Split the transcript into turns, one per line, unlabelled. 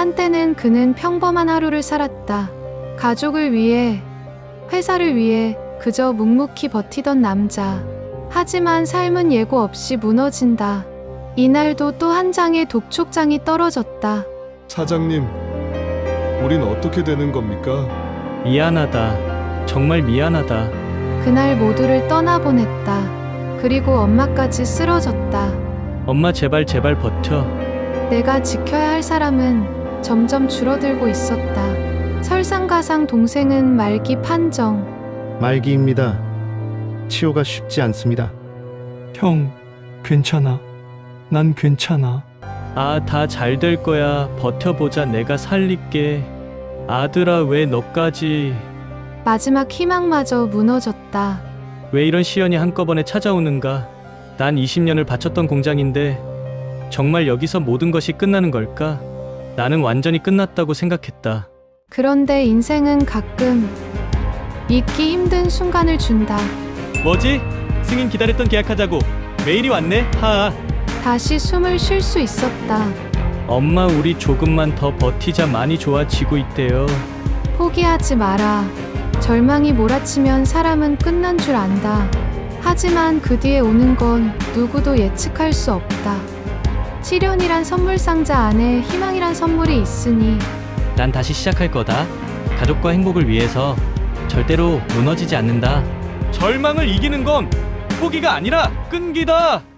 한때는 그는 평범한 하루를 살았다. 가족을 위해, 회사를 위해 그저 묵묵히 버티던 남자. 하지만 삶은 예고 없이 무너진다. 이날도 또 한 장의 독촉장이 떨어졌다.
사장님, 우린 어떻게 되는 겁니까?
미안하다. 정말 미안하다.
그날 모두를 떠나보냈다. 그리고 엄마까지 쓰러졌다.
엄마 제발 버텨.
내가 지켜야 할 사람은 점점 줄어들고 있었다. 설상가상 동생은 말기 판정.
말기입니다. 치료가 쉽지 않습니다.
형, 괜찮아. 난 괜찮아.
아, 다 잘 될 거야. 버텨보자. 내가 살릴게. 아들아, 왜 너까지.
마지막 희망마저 무너졌다.
왜 이런 시련이 한꺼번에 찾아오는가? 난 20년을 바쳤던 공장인데 정말 여기서 모든 것이 끝나는 걸까? 나는 완전히 끝났다고 생각했다.
그런데 인생은 가끔 잊기 힘든 순간을 준다.
뭐지? 승인 기다렸던 계약하자고. 메일이 왔네. 하하.
다시 숨을 쉴 수 있었다.
엄마, 우리 조금만 더 버티자. 많이 좋아지고 있대요.
포기하지 마라. 절망이 몰아치면 사람은 끝난 줄 안다. 하지만 그 뒤에 오는 건 누구도 예측할 수 없다. 시련이란 선물 상자 안에 희망이란 선물이 있으니
난 다시 시작할 거다. 가족과 행복을 위해서 절대로 무너지지 않는다. 절망을 이기는 건 포기가 아니라 끈기다.